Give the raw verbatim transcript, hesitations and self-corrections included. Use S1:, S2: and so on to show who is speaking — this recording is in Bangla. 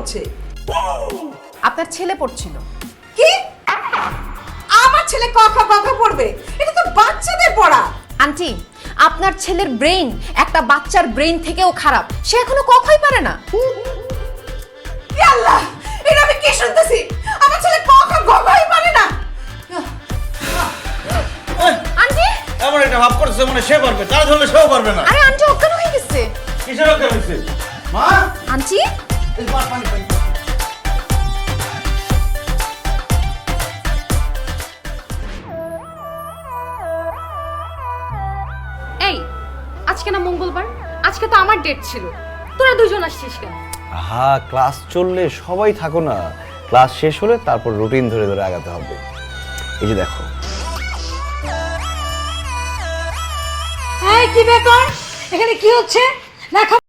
S1: পড়ছে।
S2: আপনার ছেলে পড়ছিল।
S1: কি? আমার ছেলে ক খ গ ঘ পড়বে? এটা তো বাচ্চাদের পড়া।
S2: আন্টি, আপনার ছেলের ব্রেইন একটা বাচ্চার ব্রেইন থেকেও খারাপ। সে এখনো কখই পারে না।
S1: ইয়া আল্লাহ, এটা আমি কি শুনতেছি? আমার ছেলে ক খ গ ঘই পারে না।
S2: আন্টি,
S3: এমন একটা ভাব করছে মনে সে পারবে, তার ধরলে সেও পারবে না।
S2: আরে আন্টি অজ্ঞান হয়ে গেছে।
S3: কিসের অজ্ঞান হয়েছে? মা,
S2: আন্টি,
S3: এই পানি পানি পানি।
S4: এই, আজকে না মঙ্গলবার, আজকে তো আমার ডেট ছিল, তোরা দুজন আসছিস কেন?
S5: হ্যাঁ, ক্লাস চললে সবাই থাকো না, ক্লাস শেষ হলে তারপর রুটিন ধরে ধরে আগাতে হবে। এই যে দেখো,
S1: এই কি ব্যাপার? এখানে কি হচ্ছে? না